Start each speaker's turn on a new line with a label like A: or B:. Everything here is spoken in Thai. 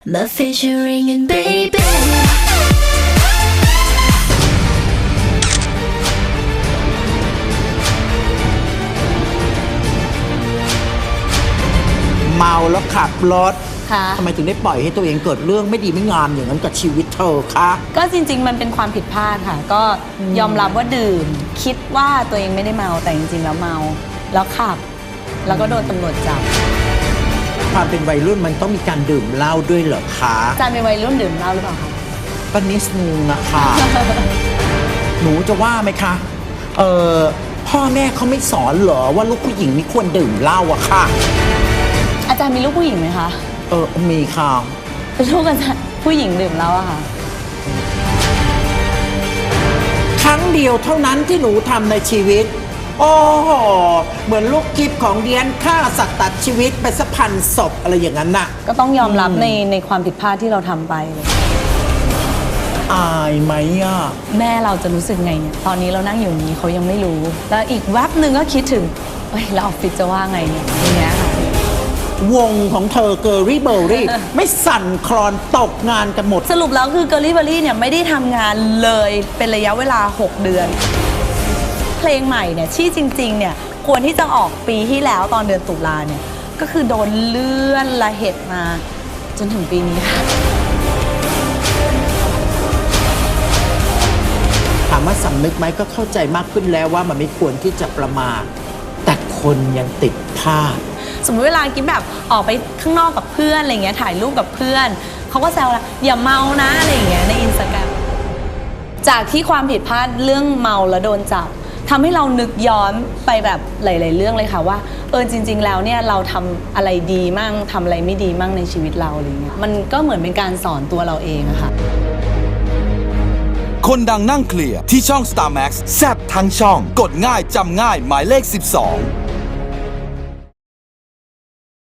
A: My featuring and baby
B: เมาแล้วขับรถ
C: ค่ะ
B: ทำไมถึงได้ปล่อยให้ตัวเองเกิดเรื่องไม่ดีไม่งามอย่างนั้นกับชีวิตเธอคะ
C: ก็จริงๆมันเป็นความผิดพลาดค่ะ ก็ยอมรับว่าดื่ม คิดว่าตัวเองไม่ได้เมาแต่จริงๆแล้วเมาแล้วขับ แล้วก็โดนตำรวจจับ
B: ความเป็นวัยรุ่นมันต้องมีการดื่มเหล้าด้วยเหรอคะ
C: อาจารย์เป็นวัยรุ่นดื่มเหล้าหรือเปล่าคะ
B: ก็นิดนึงนะคะ หนูจะว่าไหมคะพ่อแม่เขาไม่สอนเหรอว่าลูกผู้หญิงไม่ควรดื่มเหล้าอะค่ะ
C: อาจารย์มีลูกผู้หญิงไหมคะ
B: มีค่ะ
C: ลูกอาจารย์ผู้หญิงดื่มเหล้าอะค่ะ
B: ครั้งเดียวเท่านั้นที่หนูทำในชีวิต โอ้โหเหมือนลูกกิฟของเดียนฆ่าสัตว์ตัดชีวิตไปสักพันศพอะไรอย่างนั้นน่ะ
C: ก็ต้องยอมรับในความผิดพลาดที่เราทำไปเลย
B: อายไหมอ่ะ
C: แม่เราจะรู้สึกไงเนี่ย ตอนนี้เรานั่งอยู่นี้เขายังไม่รู้ แล้วอีกแวบหนึ่งก็คิดถึงเอ้ยแล้วออฟฟิศจะว่าไงเนี่ยอย่างเงี้ยค่ะ
B: วงของเธอเกอรี่เบอร์รี่ ไม่สั่นคลอนตกงานกันหมด
C: สรุปแล้วคือเกอร์ลี่เบอรี่เนี่ยไม่ได้ทำงานเลยเป็นระยะเวลา 6 เดือน เพลงใหม่เนี่ยที่จริงๆเนี่ยควรที่จะออกปีที่แล้วตอนเดือนตุลาเนี่ยก็คือโดนเลื่อนละเหตุมาจนถึงปีนี้ค่ะ
B: ถามว่าสำนึกไหมก็เข้าใจมากขึ้นแล้วว่ามันไม่ควรที่จะประมาทแต่คนยังติดพลาด
C: สมมติเวลากิ๊บแบบออกไปข้างนอกกับเพื่อนอะไรเงี้ยถ่ายรูปกับเพื่อนเขาก็แซวละอย่าเมานะอะไรอย่างเงี้ยในอินสตาแกรมจากที่ความผิดพลาดเรื่องเมาแล้วโดนจับทำให้เรานึกย้อนไปแบบหลายๆเรื่องเลยค่ะว่าจริงๆแล้วเนี่ยเราทำอะไรดีมั่งทำอะไรไม่ดีมั่งในชีวิตเราอะไรเงี้ยมันก็เหมือนเป็นการสอนตัวเราเองอะค่ะ
D: คนดังนั่งเคลียร์ที่ช่อง Star Max แซบทั้งช่อง กดง่ายจำง่ายหมายเลข 12